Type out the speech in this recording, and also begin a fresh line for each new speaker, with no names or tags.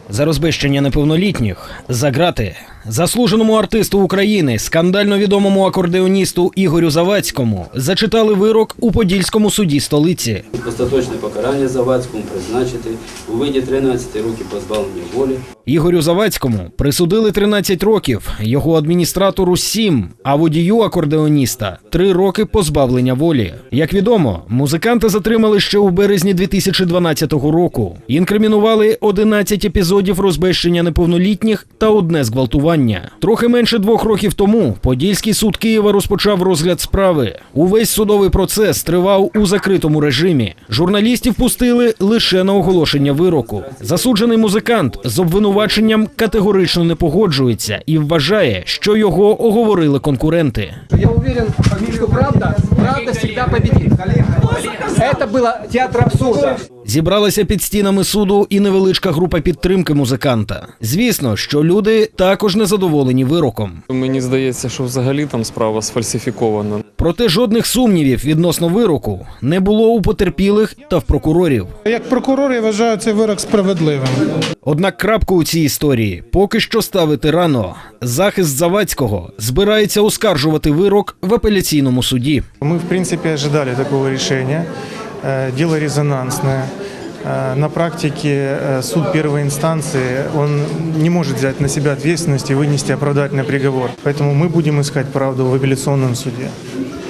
За розбещення неповнолітніх, за ґрати. Заслуженому артисту України, скандально відомому акордеоністу Ігорю Завадському зачитали вирок у Подільському суді столиці.
Остаточне покарання Завадському призначити у виді 13 років позбавлення волі.
Ігорю Завадському присудили 13 років, його адміністратору – 7, а водію акордеоніста – 3 роки позбавлення волі. Як відомо, музиканта затримали ще у березні 2012 року. Інкримінували 11 епізодів розбещення неповнолітніх та 1 зґвалтування. Трохи менше 2 років тому Подільський суд Києва розпочав розгляд справи. Увесь судовий процес тривав у закритому режимі. Журналістів пустили лише на оголошення вироку. Засуджений музикант з обвинуваченням категорично не погоджується і вважає, що його оговорили конкуренти.
Я уверен, что правда всегда победит. Это было театр абсурда.
Зібралася під стінами суду і невеличка група підтримки музиканта. Звісно, що люди також незадоволені вироком.
Мені здається, що взагалі там справа сфальсифікована.
Проте жодних сумнівів відносно вироку не було у потерпілих та в прокурорів.
Як прокурор я вважаю цей вирок справедливим.
Однак крапку у цій історії поки що ставити рано. Захист Завадського збирається оскаржувати вирок в апеляційному суді.
Мы, в принципе, ожидали такого решения. Дело резонансное. На практике суд первой инстанции, он не может взять на себя ответственность и вынести оправдательный приговор. Поэтому мы будем искать правду в апелляционном суде.